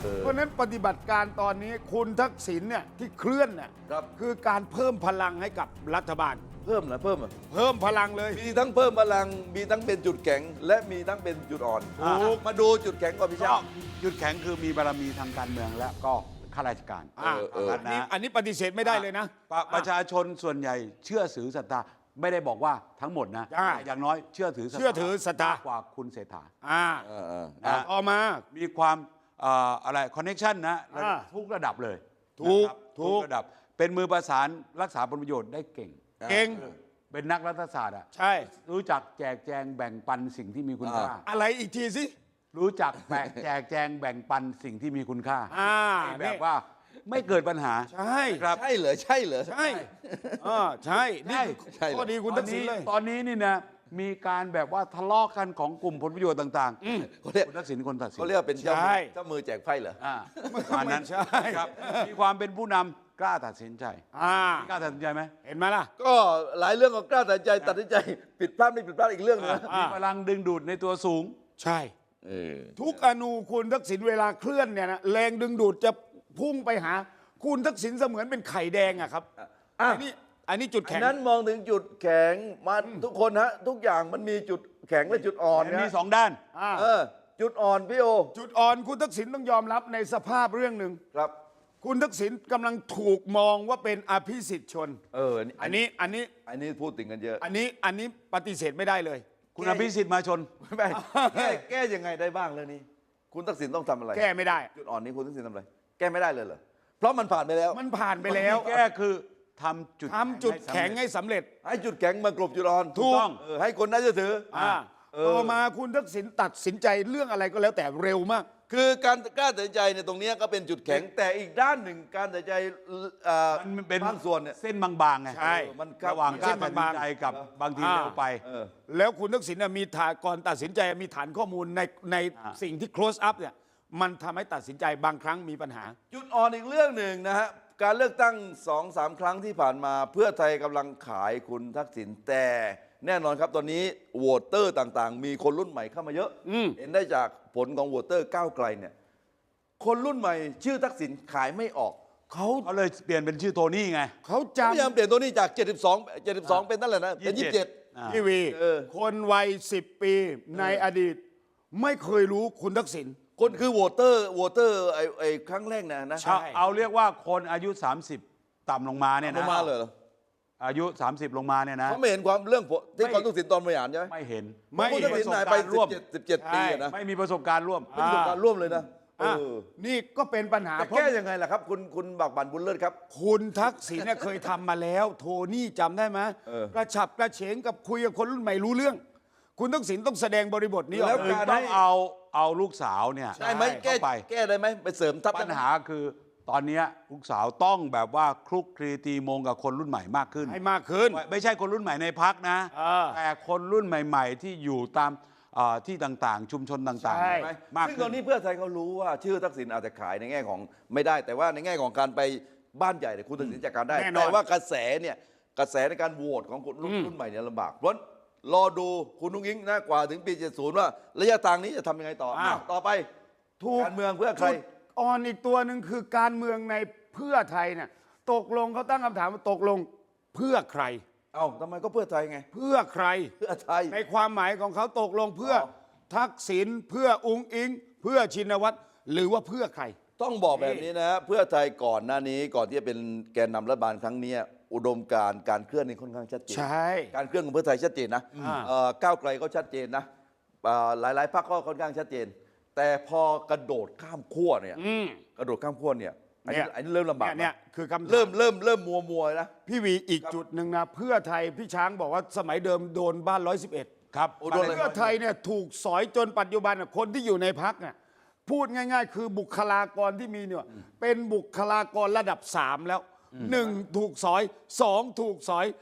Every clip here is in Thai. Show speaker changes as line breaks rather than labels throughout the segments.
เพราะฉะนั้นปฏิบัติการตอนนี้คุณทักษิณเนี่ยที่เคลื่อนเนี่ย
ครับ
คือการเพิ่มพลังให้กับรัฐบาล
เพิ่มเหรอเพิ่มเหรอ
เพิ่มพลังเลย
มีทั้งเพิ่มพลังมีทั้งเป็นจุดแข็งและมีทั้งเป็นจุดอ่อน
ถูก
มาดูจุดแข็งก่อนพี่
ก็
ช้าง
จุดแข็งคือมีบารมีทางการเมืองและก็ข้าราชการ
อันนี้ปฏิเสธไม่ได้เลยนะ
ประชาชนส่วนใหญ่เชื่อถือศรัทธาไม่ได้บอกว่าทั้งหมดนะ
ใช่
อย่างน้อยเชื่อถือ
เชื่อถือศรัทธาม
กกว่าคุณเศรษฐา
อ่า
นะ
ต่อมา
มีความอะไรคอนเน็ชันนะ ทุกระดับเลย
ถูก
นะครับ
ถูก
ทุกระดับเป็นมือประสานรักษาผลประโยชน์ได้เก่ง
เก่ง
เป็นนักรัฐศาสตร์อ่ะ
ใช่
รู้จักแจกแจงแบ่งปันสิ่งที่มีคุณค่า
อะไรอีกทีสิ
รู้จักแจกแจงแบ่งปันสิ่งที่มีคุณค่า
นี่
แบบว่าไม่เกิดปัญหา
ใช่
ครับ
ใช่เหรอใช่เหรอ
ใช่ใช่นี่
ใช่เหรอ
ข้อดีคุณทักษิณเลย
ตอนนี้นี่นะมีการแบบว่าทะเลาะกันของกลุ่มผลประโยชน์ต่างๆ
เขาเรียก
คุณทักษิณคนตัดสิน
เขาเรียกว่าเป็นเจ้า
ใช่
เจ้ามือแจกไพ่เหรอ
ประมาณนั้น
ไม่ใช่
ครับมีความเป็นผู้นำกล้าตัดสินใจ กล้าตัดสินใจไหม
เห็นไหมล่ะ
ก็หลายเรื่องก็กล้าตัดสินใจผิดพลาดไม่ผิดพลาดอีกเรื่องหนึงนะ
อ่า
มีพลังดึงดูดในตัวสูง
ใช่
เออ
ทุกอนูคุณทักษิณเวลาเคลื่อนเนี่ยนะแรงดึงดูดจะพุ่งไปหา คุณทักษิณเสมือนเป็นไข่แดงอะครับ
อ่ะ
อันนี้จุด
อั
แข็
น
ง
นั้นมองถึงจุดแข็งมันทุกคนฮะทุกอย่างมันมีจุดแข็งและจุดอ่อน
มี
นะ
สองด้าน
เออจุดอ่อนพี่โอ
จุดอ่อนคุณทักษิณต้องยอมรับในสภาพเรื่องหนึ่ง
ครับ
คุณทักษิณกำลังถูกมองว่าเป็นอภิสิทธิ์ชน อันนี้
พูดถึงกันเยอะ
อันนี้ปฏิเสธไม่ได้เลย
คุณอภิสิทธิ์มาชน
ไม่แก้ยังไงได้บ้างเรื่องนี้ คุณทักษิณต้องทำอะไร
แก้ไม่ได้
จุดอ่อนนี้คุณทักษิณทำอะไร แก้ไม่ได้เลยเหรอเพราะมันผ่านไปแล้ว
มันผ่านไปแล้ว
แก้คือทำจุด
แข็งให้สำเร็จ
ให้จุดแข็งมากลบจุดอ่อน
ถูก
ต้อง
ให้คนน่าเชื่อถือ
ต่อมาคุณทักษิณตัดสินใจเรื่องอะไรก็แล้วแต่เร็วมาก
คือการกล้าตัดสินใจเนี่ยตรงเนี้ยก็เป็นจุดแข็งแต่อีกด้านหนึ่งการตัดสินใจ
มันเป็น
บางส่วนเนี่ย
เส้นบางๆไง
ใช่
มัน
ระหว่างกล้า
เส้น
ตัดสิน
บางๆ
ใจกับบางทีเร็วไป
แล้วคุณทักษิณน่ะมีฐานก่อนตัดสินใจมีฐานข้อมูลในสิ่งที่ close up เนี่ยมันทำให้ตัดสินใจบางครั้งมีปัญหา
จุดอ่อนอีกเรื่องหนึ่งนะฮะการเลือกตั้ง 2-3 ครั้งที่ผ่านมาเพื่อไทยกำลังขายคุณทักษิณแต่แน่นอนครับตอนนี้โหวตเตอร์ต่างๆ มีคนรุ่นใหม่เข้ามาเยอะ เห็นได้จากผลของโหวตเตอร์ก้าวไกลเนี่ยคนรุ่นใหม่ชื่อทักษิณขายไม่ออกเขา
เขาเลยเปลี่ยนเป็นชื่อโทนี่ไง
เขา
พยายาม
จำ
เปลี่ยนตัวนี้จาก 72เป็นนั่นแหละนะเป็น 27
พี่วี
เออ
คนวัย10 ปีในอดีต ไม่เคยรู้คุณทักษิณ
คนคือโหวตเตอร์ไอ้ครั้งแรกนะ
ใช่
เอาเรียกว่าคนอายุ 30 ต่ำลงมาเนี่ย
ล
นะ
งมาเลยเหรอ
อายุ 30 ลงมาเนี่ยนะ
เขาไม่เห็นความเรื่องที่คุณทักษิณตอนบริหารใช่ไหม
ไม่เห็น
ไม่คุณทักษิณหายไป
ร่วม
17 ปีอะนะ
ไม่มีประสบการณ์ร่วม
เป็นประสบการณ์ร่วมเลยนะเออ
นี่ก็เป็นปัญหา
จะ
เพราะ
แก้ยังไงล่ะครับ คุณบักบันบุญเลิศครับ
คุณทักษิณเนี่ยเคยทำมาแล้ว โทนี่จำได้ไหม กระฉับกระเฉงกับคุยกับคนรุ่นใหม่รู้เรื่อง คุณทักษิณต้องแสดงบริบทนี้อ
แล้
อ
ว
ก
คือ
การ
ต้องเอาลูกสาวเนี่ย
ได้ไหมแก้
เข้าไป
แก้ได้ไหมไปเสริมทัพ
ปัญหาคือตอนเนี้ยลูกสาวต้องแบบว่าคลุกคลีตีมงกับคนรุ่นใหม่มากขึ้น
ให้มากขึ้น
ไม่ใช่คนรุ่นใหม่ในพักนะ
เออ
แต่คนรุ่นใหม่ ๆ ที่อยู่ตามที่ต่างๆ ชุมชนต่าง
ใช่
ไหม
มาก
ซึ่ง
ขึ้
ตอน นนี้เพื่อไทยเขารู้ว่าชื่อทักษิณอาจจะขายในแง่ของไม่ได้ แต่ว่าในแง่ของการไปบ้านใหญ่เนี่ยคุณทักษิณจัดการได้
แน่นอน
แต่ว่ากระแสเนี่ยกระแสในการโหวตของคนรุ่นใหม่เนี่ยลำบากเพราะรอดูคุณนุ้งอิงนะกว่าถึงปี 70 ว่าระยะทางนี้จะทำยังไงต่อต่อไป
ถูก
การเมืองเพื่อใคร
จุดอ่อนอีกตัวหนึ่งคือการเมืองในเพื่อไทยเนี่ยตกลงเขาตั้งคำถามว่าตกลงเพื่อใคร
เอ้าทำไมก็เพื่อไทยไง
เพื่อใคร
เพื่อไทย
ในความหมายของเขาตกลงเพื่อทักษิณเพื่ออุงอิง เพื่อชินวัตรหรือว่าเพื่อใคร
ต้องบอกแบบนี้นะเพื่อไทยก่อนหน้านี้ก่อนที่จะเป็นแกนนำรัฐบาลครั้งเนี้ยอุดมการณ์การเคลื่อนนี่ค่อนข้างชัดเจน
ใช่
การเคลื่อนของเพื่อไทยชัดเจนนะก้าวไกลก็ชัดเจนนะหลายๆพรรคก็ค่อนข้างชัดเจน แต่พอกระโดดข้ามขั้วเนี่ยกระโดดข้ามขั้วเนี่ยอันนี้เริ่มลำบาก
เนี่ยคือคำถาม
เริ่มมัวนะ
พี่วีอีกจุดหนึ่งนะเพื่อไทยพี่ช้างบอกว่าสมัยเดิมโดนบ้าน 111
ครับ
โอ้โดนเลย
เพื่อไทยเนี่ยถูกสอยจนปัจจุบันน่ะคนที่อยู่ในพักเนี่ยพูดง่าย ๆ คือบุคลากรที่มีเนี่ยเป็นบุคลากรระดับ 3 แล้ว 1 ถูกสอย 2 ถูกสอย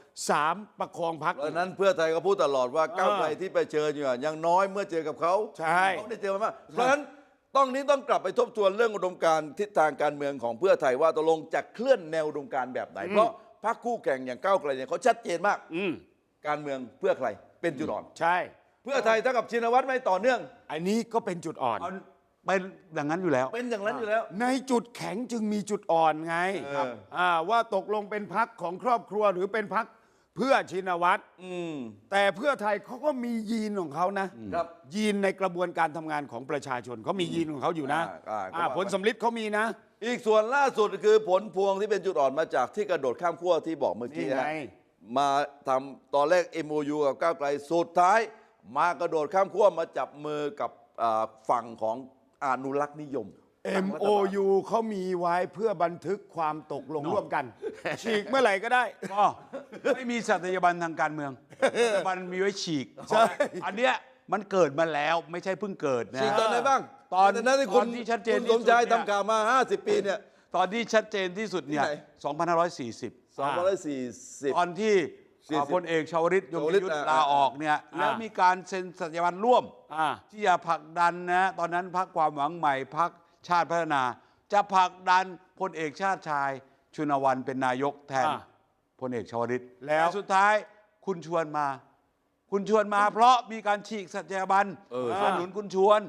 3 ประคองพัก
เพราะฉะนั้นเพื่อไทยก็พูดตลอดว่าก้าวไกลที่ไปเจออยู่ยังน้อยเมื่อเจอกับเขา
ใช่
เขาได้เจอมามากเพราะฉะนั้นต้องกลับไปทบทวนเรื่องอุดมการณ์ทิศทางการเมืองของเพื่อไทยว่าตกลงจะเคลื่อนแนวอุดมการณ์แบบไหนเพราะพรรคคู่แข่งอย่างก้าวไกลเนี่ยเขาชัดเจนมากการเมืองเพื่อใครเป็นจุดอ่อน
ใช่
เพื่อไทยเท่ากับชินวัตรไม่ต่อเนื่อง
อันนี้ก็เป็นจุดอ่อน
เอาเป็นอย่างนั้นอยู่แล้ว
เป็นอย่างนั้นอยู่แล้ว
ในจุดแข็งจึงมีจุดอ่อนไง
ครับ
ว่าตกลงเป็นพักของครอบครัวหรือเป็นพักเพื่อชินวัตร แต่เพื่อไทยเขาก็มียีนของเขานะครับ ยีนในกระบวนการทำงานของประชาชนเขามียีนของเขาอยู่นะ ผลสำลิดเขามีนะ
อีกส่วนล่าสุดคือผลพวงที่เป็นจุดอ่อนมาจากที่กระโดดข้ามขั้วที่บอกเมื่อกี้
นี่ไง
มาทำตอนแรก MOU กับก้าวไกลสุดท้าย มากระโดดข้ามขั้วมาจับมือกับฝั่งของอนุรักษ์นิยม
MOU เขามีไว้เพื่อบันทึกความตกลงร่วมกัน ฉีกเมื่อไหร่ก็ได้
ก็ไม่มีสัตยาบันทางการเมืองสัตยาบันมีไว้ฉีก
ใช่
อันเนี้ยมันเกิดมาแล้วไม่ใช่เพิ่งเกิดนะ
ฉีกตอนไหนบ้าง
ตอน
นั้นที่คุณ
ที่ชัดเจน
คุณ
ที่
ส
สุ
ม
ด
ชาย
เนี่ย
ทำข่าวมา 50 ปีเนี่ย
ตอนที่ชัดเจนที่สุดเนี่ย
ที่ไหน
2540
240
ตอนที่
40
พลเอกชวลิตยง
ชวลิต
ยุทธ
อ่ะ
ลาออกเนี่ยแล้วมีการเซ็นสัญญาบันร่วม
อ่า
ที่จะผลักดันนะตอนนั้นพรรคความหวังใหม่พรรคชาติพัฒนา จะผลักดันพลเอกชาติชายชุนวันเป็นนายกแทน
อ่า
พลเอกชวลิต
แล้ว
ต่สุดท้ายคุณชวนมา คุณชวนมา เพราะมีการฉีกสัญญาบันสนับสนุนคุณชวน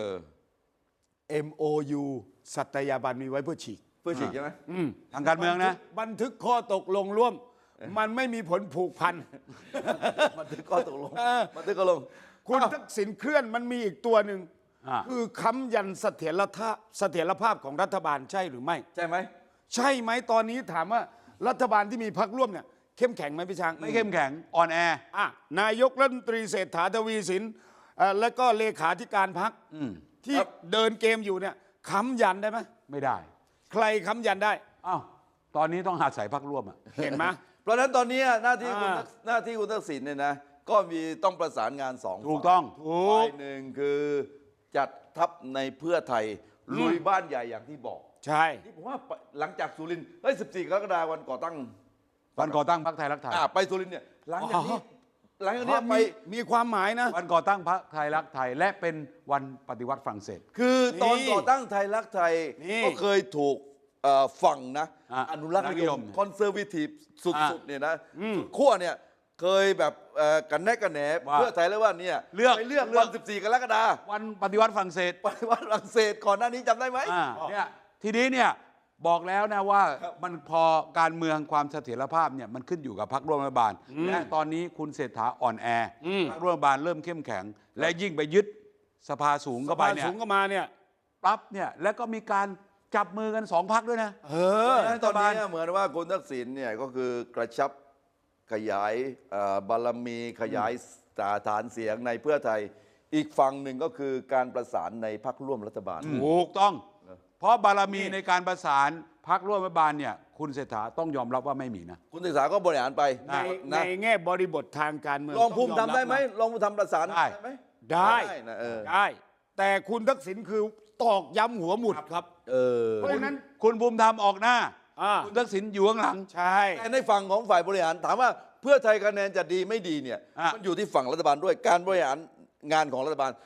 MOU สัตยาบันมีไว้เพื่อฉีก
เพื่อฉีกใช่ไหม
ทางการเมืองนะ
บันทึกข้อตกลงร่วม มันไม่มีผลผูกพัน
มันถึงข้อตกลงมันถึงข้อตกลง
คุณทักษิณเคลื่อนมันมีอีกตัวหนึ่ง
อ่า
คือค้ำยันเสถียรภาพของรัฐบาลใช่หรือไม่
ใช่ไหม
ใช่ไหมตอนนี้ถามว่ารัฐบาลที่มีพรรคร่วมเนี่ยเข้มแข็งไหมพี่ช้าง
ไม่เข้มแข็งอ่อนแอ
นายกรัฐมนตรีเศรษฐาทวีสินและก็เลขาธิการพรรคที่
ครับ
เดินเกมอยู่เนี่ยค้ำยันได้ไหม
ไม่ได้
ใครค้ำยันได้
อ้าวตอนนี้ต้องอาศัยพรรคร่วมอ่ะ
เห็นไหม
เพราะฉะนั้นตอนนี้หน้าที่คุณ
อ่า
หน้าที่คุณทักษิณเนี่ยนะก็มีต้องประสานงานสอง
ถูกต้อง
ฝ่ายหนึ่งคือจัดทัพในเพื่อไทยลุยบ้านใหญ่อย่างที่บอก
ใช่
นี่ผมว่าหลังจากสุรินทร์14 กรกฎาคมวันก่อตั้ง
วันก่อตั้งพรรคไทยรักไทย
ไปสุรินทร์เนี่ยหลังจากนี้หลังจากนี้ไป
มีความหมายนะ
วันก่อตั้งพรรคไทยรักไทย และเป็นวันปฏิวัติฝรั่งเศส
คือตอน
นี่
ก่อตั้งไทยรักไทย
นี่
ก็เคยถูกฝั่งนะ อนุรักษ์นิย
นิย
ม
ม
คอนเซอร์วิทีฟสุ
อ่า
ดๆเนี่ยนะสุดขั้วเนี่ยเคยแบบกันแนกกันแหน
ว่า
เพื่อไทยแล้วว่าเนี่ย
เลือก
ไปเลือกวัน 14 กรกฎาคม
วันปฏิวัติฝรั่งเศส
ไปวัดฝรั่งเศสก่อนหน้านี้จำได้ไหม
เนี่ยทีนี้เนี่ยบอกแล้วนะว่ามันพอการเมืองความเสถียรภาพเนี่ยมันขึ้นอยู่กับพรรคร่วมรัฐบาล และตอนนี้คุณเศรษฐาอ่อนแอพรรคร่วมรัฐบาลเริ่มเข้มแข็ง และยิ่งไปยึดสภาสูงเข้าไปเนี่ย
สูงก็มาเนี่ย
ปั๊บเนี่ยแล้วก็มีการจับมือกันสองพรรคด้วยนะ
ตอนนี้เหมือนว่าคุณทักษิณเนี่ยก็คือกระชับขยายบารมีขยายฐานเสียงในเพื่อไทย อีกฝั่งหนึ่งก็คือการประสานในพรรคร่วมรัฐบาล
ถูกต้อง เพราะบารมีในการประสานพรรคร่วมรัฐบาลเนี่ยคุณเศรษฐาต้องยอมรับว่าไม่มีนะ
คุณศึกษาก็บริหารไป
ใน
นะ
แง่บริบททางการเมือง
ลองภูมิ
ต้ยอ
ทำได้ไหม
รับนะ
ลองภูมิทำประสาน
ได้
ไหม
ได้
นะ
ได้ แต่คุณทักษิณคือตอกย้ำหัวหมุดครับ เพราะฉะนั้น
คุณภูมิธรรมออกหน้า
อ่า
คุณทักษิณอยู่ข้างหลัง
ใช่
แต่ในฝั่งของฝ่ายบริหารถามว่าเพื่อไทยคะแนนจะดีไม่ดีเนี่ย
อ่ะ
มันอยู่ที่ฝั่งรัฐบาลด้วยการบริหารงานของรัฐบาล